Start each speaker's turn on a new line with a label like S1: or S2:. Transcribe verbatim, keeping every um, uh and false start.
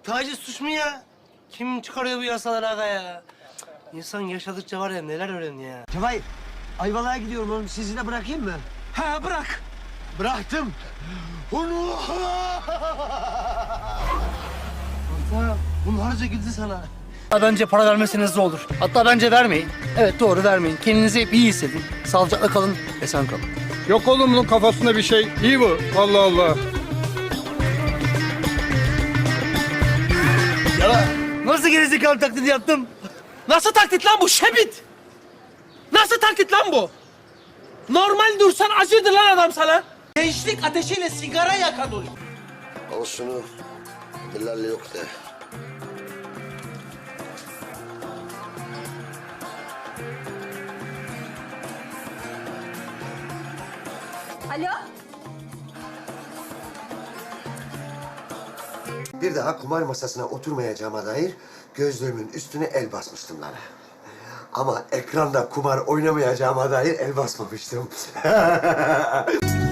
S1: taciz suç mu ya? Kim çıkarıyor bu yasaları aga ya? Cık, İnsan yaşadıkça var ya neler öğreniyor ya.
S2: Cevahir, Ayvalık'a gidiyorum oğlum. Sizi de bırakayım mı?
S1: Ha bırak.
S2: Bıraktım. Onu...
S1: Hatta bunlarca güldü sana. Bence para vermeseniz de olur. Hatta bence vermeyin. Evet doğru vermeyin. Kendinizi hep iyi hissedin. Sağlıcakla kalın, esen kalın.
S3: Yok oğlum bunun kafasında bir şey. İyi bu. Allah Allah.
S1: Ya nasıl gerizekalı taklidi yaptım?
S4: Nasıl taklit lan bu Şebit? Nasıl taklit lan bu? Normal dursan acırdı lan adam sana. Gençlik ateşiyle sigara yakan oluyor.
S5: Al şunu. Bilal'le yok de.
S6: Alo?
S5: Bir daha kumar masasına oturmayacağıma dair gözlüğümün üstüne el basmıştım lan. Ama ekranda kumar oynamayacağıma dair el basmamıştım.